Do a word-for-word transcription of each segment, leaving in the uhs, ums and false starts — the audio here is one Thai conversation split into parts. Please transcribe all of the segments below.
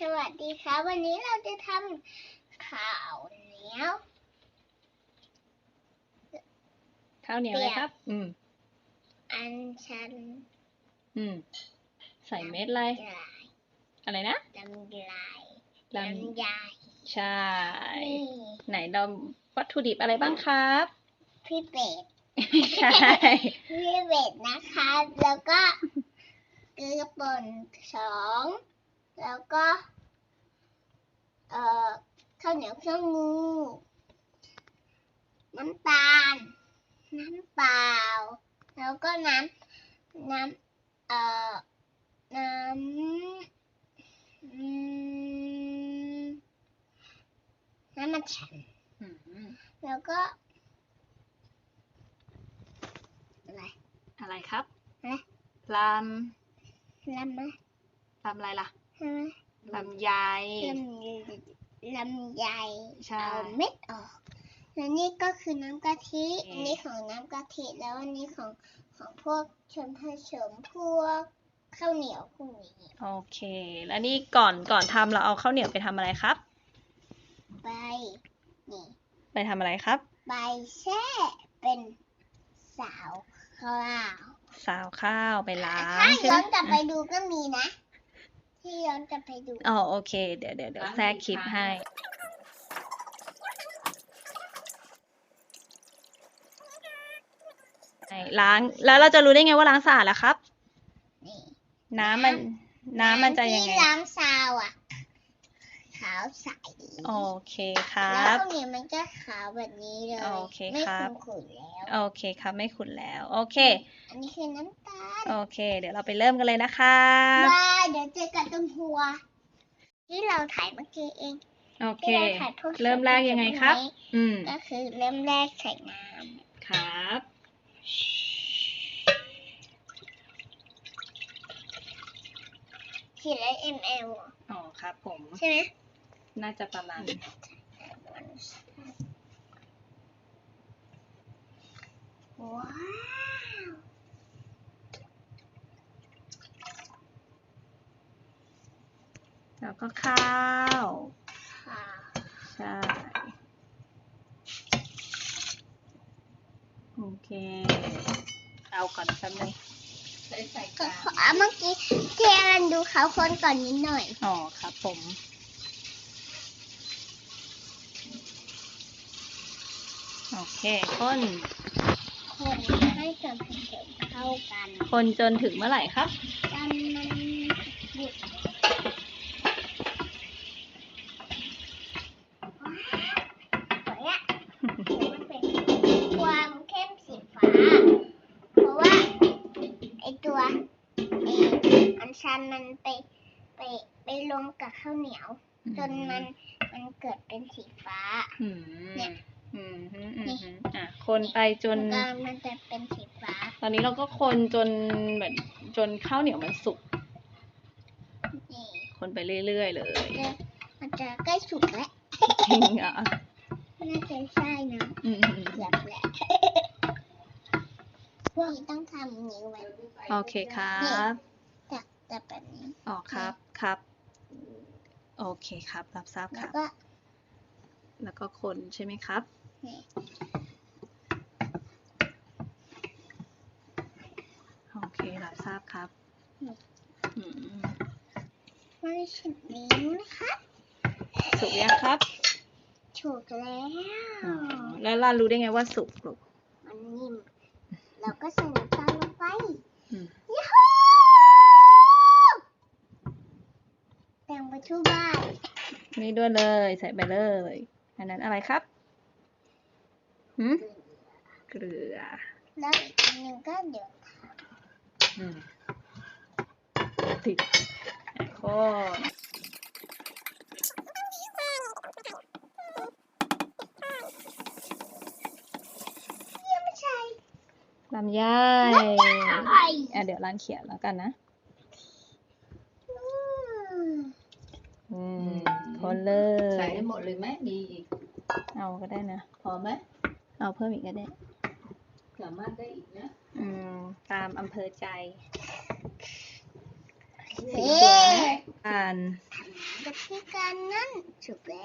สวัสดีครับวันนี้เราจะทำข้าวเหนียวข้าวเหนียวอะไรครับ อืมอันชันอืม ใส่เม็ดอะไรลายอะไรนะลำลายลลำไยำใช่นี่ไหนเราวัตถุดิบอะไรบ้างครับพี่เป็ดใช่พี่เป็ดนะคะแล้วก็เกลือป่นสองแล้วก็เอ่อข้าวเหนียวเครื่องงูน้ำตาล น้ำเปล่าแล้วก็น้ำน้ำเอ่อน้ำอืมน้ำมันฉันอืมแล้วก็อะไรอะไรครับฮะลลำไหมำ ลำอะไรล่ะใช่ไหมลำไยลำลำไยใช่เอาเม็ดออกแล้วนี่ก็คือน้ำกะทิเอ่ออัอันนี้ของน้ำกะทิแล้วอันนี้ของของพวกชนผสมพวกข้าวเหนียวพวกนี้โอเค แล้วนี่ก่อนก่อนทำเราเอาข้าวเหนียวไปทำอะไรครับใบนี่ไปทำอะไรครับใบแช่เป็นสาวข้าวซาวข้าวไปล้าถ้างใช่ย้ไหมอนกลับไปดูก็มีนะ ที่ย้อนกลับไปดูอ๋อโอเค เดี๋ยวเดี๋ยวเดี๋ยวแทรกคลิปให้ล้าง แล้วเราจะรู้ได้ไงว่าล้างสะอาดล่ะครับนี่น้ำมัน น้ำมันจะยังไงที่ล้างซาวอ่ะ ขาวใสโอเคครัแล้วบข้าวเหนียวมันก็ขาวแบบนี้เลยโอเคไม่ครับขุ่นๆแล้วโอเคครับ ไม่ขุ่นแล้ว โอเคอันนี้คือน้ำตาลโอเค เดี๋ยวเราไปเริ่มกันเลยนะครับว้ายเดี๋ยวเจอกันตรงหัว ที่เราถ่ายเมื่อกี้เองโอเคที่เราถ่ายพวกเริ่มแรกยังไงครับ อืมก็คือเริ่มแรกใส่น้ครับำขีดละ มลอ๋อครับผมใช่ไหมน่าจะประมาณว้าวแล้วก็ข้าวค่ะใช่ โอเค เอาก่อนแป๊บนึงใส่ใส่ก็กาขอเมื่อกี้เทียนดูเขาคนก่อนนิดหน่อยอ๋อครับผม โอเคคนคนให้ส่วนผสมเข้ากันคนจนถึงเมื่อไหร่ครับจนมันหยุดสวยอะมันเป็นความเข้มสีฟ้า เพราะว่าไอตัวไออันชันมันไปไปไปลงกับข้าวเหนียว จนมันมันเกิดเป็นสีฟ้าอืมเนี่ยอืมฮึอืมฮึอ่ะ คนไปจนแล้วก็มันจะเป็นสีฟ้าตอนนี้เราก็คนจนเหมือนจนข้าวเหนียวมันสุกนี่คนไปเรื่อยๆเลยจะมันจะใกล้สุกแล้วจริงเหรอน่าจะใช่นะอืมเกือบแหละพวกนี้ต้องทำนิ้วไว้โอเคครับแต่แต่แบบนี้อ๋อครับครับ โอเคครับ รับทราบคแล้วรับก็แล้วก็คนใช่ไหมครับนี่โอเค รับทราบครับ อืมไม่ใช่นิ้วนะคะสุกยังครับถูกแล้วอ๋อ แล้วเรารู้ได้ไงว่าสุกลูกมันนิ่มเราก็ใส่น้ำตาลลงไปอืมยูฮูแต่งไปทั่วบ้านนี่ด้วยเลย ใส่ไปเลย อันนั้นอะไรครับหืมเกลือแล้วอีกอันหนึ่งก็เดี๋ยวอืมติดโคนยังไม่ใช่ลำไยอะไรอ่ะเดี๋ยวร้านเขียนแล้วกันนะอืมอืม คนเลยใส่ได้หมดเลยไหมมีอีกเอาก็ได้นะพอไหมเอาเพิ่มอีกก็ได้สามารถได้อีกนะอืม ตามอำเภอใจเฮ้อ่านทำไมกะทิกันนั่นสุกแล้ว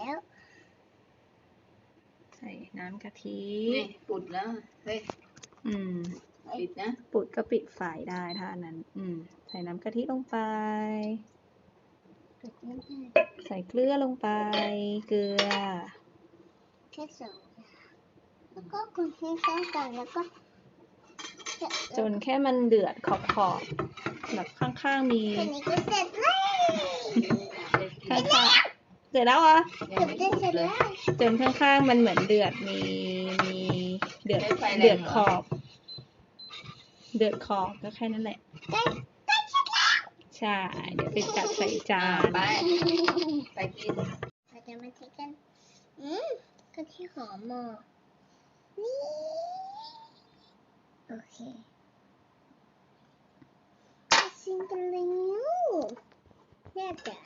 ใส่น้ำกะทินี่ปุดแล้วเฮ้ยอืมปิดนะปุดก็ปิดไฟได้ถ้าอันนั้น อืม ใส่น้ำกะทิลงไปปิดไม่ได้ใส่เกลือลงไป เกลือแค่สองอย่างแล้วก็คนที่เข้ากันแล้วก็จนแค่มันเดือดขอบขอบๆแบบข้างๆมีแค่นี้ก็เสร็จแล้วข้างๆเสร็จแล้วเหรอเกือบจะเสร็จแล้วจนข้างๆมันเหมือนเดือดมีมีเดือดเดือดขอบ เดือดขอบก็แค่นั้นแหละได้ได้เสร็จแล้วใช่ เดี๋ยวไปจัดใส่จานไปไปกินเราจะมาเทกัน อืมกะทิหอมมากนี่โอเคมาชิมกันเลยนิ้วแน่ใจ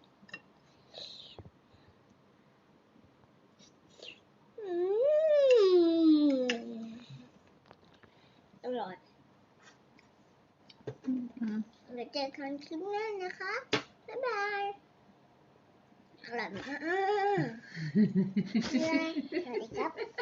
อืมอร่อยอืมเดี๋ยวเจอกันคลิปหน้านะคะ บ๊ายบาย อร่อยมากเลยสวัสดีครับ